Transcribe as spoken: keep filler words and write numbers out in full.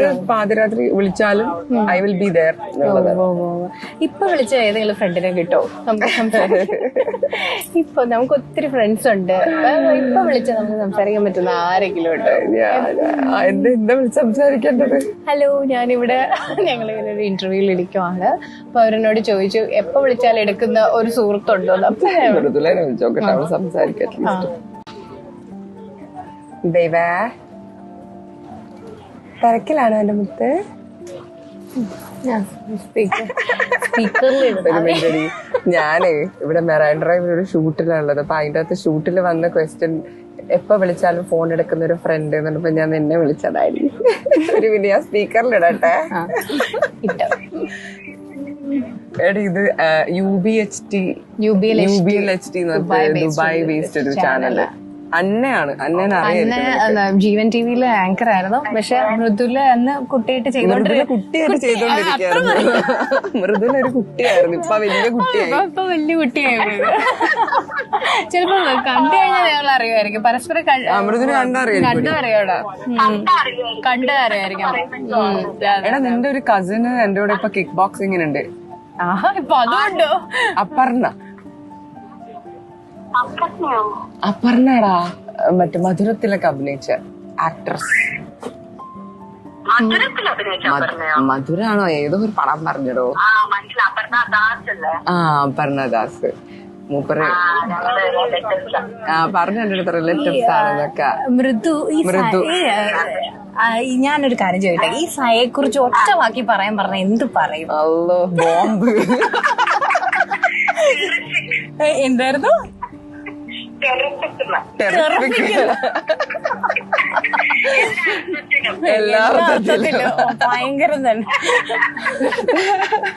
എത്ര പാതിരാത്രി വിളിച്ചാലും ഐ വിൽ ബി ദയർ. ഇപ്പൊ വിളിച്ച ഏതെങ്കിലും ഫ്രണ്ടിനെ കിട്ടോ നമുക്ക് സംസാരിക്കാം? ഇപ്പൊ നമുക്ക് ഒത്തിരി ഫ്രണ്ട്സ് ഉണ്ട്, ഇപ്പൊ വിളിച്ച നമുക്ക് സംസാരിക്കാൻ പറ്റുന്ന ആരെങ്കിലും ഉണ്ടോ? എന്താ വിളിച്ച് സംസാരിക്കേണ്ടത്? ഹലോ, ഞാനിവിടെ ഞങ്ങളിങ്ങനെ ഒരു ഇന്റർവ്യൂവിൽ ഇരിക്കുവാണ്. അപ്പൊ അവരെന്നോട് ചോദിച്ചു എപ്പൊ വിളിച്ചാൽ എടുക്കുന്ന ഒരു സുഹൃത്തുണ്ടോ? മൃദുലനെ വിളിച്ചോക്കട്ടെ, അവൾ സംസാരിക്കട്ടെ. ദൈവേ, തിരക്കിലാണോ എന്റെ മുത്ത്? ഞാനേ ഇവിടെ മെറൈൻ ഡ്രൈവിൽ ഒരു ഷൂട്ടിലാണുള്ളത്. അപ്പൊ അതിന്റെ അകത്ത് ഷൂട്ടിൽ വന്ന ക്വസ്റ്റ്യൻ എപ്പൊ വിളിച്ചാലും ഫോൺ എടുക്കുന്ന ഒരു ഫ്രണ്ട് എന്നിട്ട് ഞാൻ നിന്നെ വിളിച്ചതായിരിക്കും. ഒരു പിന്നെ ഞാൻ സ്പീക്കറിലിടട്ടെ. എടി ഇത് U B H T U B L H T Dubai based ഒരു ചാനല്. അന്നയാണ് അന്നേനെ അറിയാം. ജീവൻ ടിവിയിലെ ആങ്കർ ആയിരുന്നു. പക്ഷെ മൃദുല അന്ന് കുട്ടിയായിട്ട് ചെയ്തോണ്ടിരിക്കുക കുട്ടിയായിട്ട് ചെയ്തോണ്ടിരിക്കുകയായിരുന്നു. മൃദുല ഒരു കുട്ടിയായിരുന്നു, ഇപ്പൊ വലിയ കുട്ടിയായി. ഇപ്പൊ വലിയ കുട്ടിയായി. ചിലപ്പോ കണ്ടു കഴിഞ്ഞാൽ ഞങ്ങൾ അറിയുമായിരിക്കും, പരസ്പരം മൃദുല കണ്ടറിയാം. കണ്ടു അറിയാടാ കണ്ടു അറിയായിരിക്കും. എടാ, നിന്റെ ഒരു കസിന് എന്റെ കൂടെ ഇപ്പൊ കിക്ക് ബോക്സിങ്ങിനുണ്ട്. ആഹാ, ഇപ്പൊ അതുകൊണ്ടോ? അപർണ. അപർണടാ, മറ്റേ മധുരത്തിലൊക്കെ അഭിനയിച്ച ആക്ട്രസ്. മധുരാണോ? ഏതോ ഒരു പടം പറഞ്ഞടോ. ആ, അപർണ ദാസ്. മൂപ്പര് ആ പറഞ്ഞു എന്റെ അടുത്ത് റിലേറ്റീവ്സ് ആണെന്നൊക്കെ. മൃദു മൃദു ഞാനൊരു കാര്യം ചോദിട്ടെ, ഈ സയെ കുറിച്ച് ഒറ്റ വാക്കി പറയാൻ പറഞ്ഞ എന്ത് പറയും? അല്ലോ, ബോംബ്. എന്തായിരുന്നു? എല്ലാ ഭയങ്കരം തന്നെ.